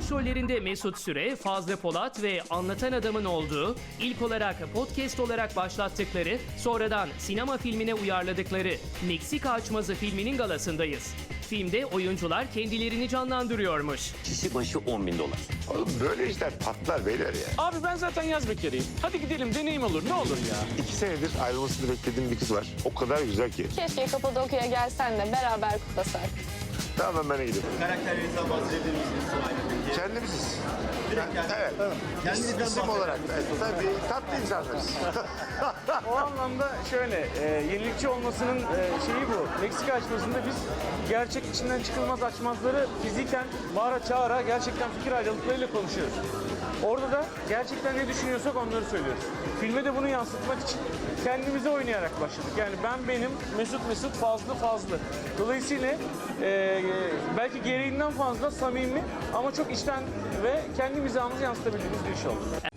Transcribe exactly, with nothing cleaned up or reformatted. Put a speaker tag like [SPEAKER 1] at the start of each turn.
[SPEAKER 1] Başrollerinde Mesut Süre, Fazlı Polat ve Anlatan Adam'ın olduğu, ilk olarak podcast olarak başlattıkları, sonradan sinema filmine uyarladıkları Meksika Açmazı filminin galasındayız. Filmde oyuncular kendilerini canlandırıyormuş.
[SPEAKER 2] Kişi başı on bin dolar.
[SPEAKER 3] Oğlum böyle işler patlar beyler ya.
[SPEAKER 4] Abi ben zaten yaz bekarıyım. Hadi gidelim, deneyim olur, ne olur ya.
[SPEAKER 3] İki senedir ayrılmasını beklediğim bir kız var. O kadar güzel ki.
[SPEAKER 5] Keşke Kapadokya'ya gelsen de beraber kutlasak.
[SPEAKER 3] Tamam ben gidiyorum.
[SPEAKER 6] Karakterlerinizden bahsedebilir misiniz? Aynı
[SPEAKER 3] Kendimiziz.
[SPEAKER 6] Direkt yani.
[SPEAKER 3] Evet.
[SPEAKER 6] Kendinizden
[SPEAKER 3] İsim
[SPEAKER 6] bahsedin.
[SPEAKER 3] olarak. Evet, tabii tatlı insanlarız.
[SPEAKER 4] O anlamda şöyle, e, yenilikçi olmasının e, şeyi bu. Meksika açmasında biz gerçek içinden çıkılmaz açmazları fiziken bağıra çağıra gerçekten fikir ayrılıklarıyla konuşuyoruz. Orada da gerçekten ne düşünüyorsak onları söylüyoruz. Filme de bunu yansıtmak için kendimize oynayarak başladık. Yani ben benim, Mesut Mesut, Fazlı Fazlı. Dolayısıyla e, belki gereğinden fazla samimi ama çok içten ve kendi mizahımızı yansıtabildiğimiz bir iş oldu.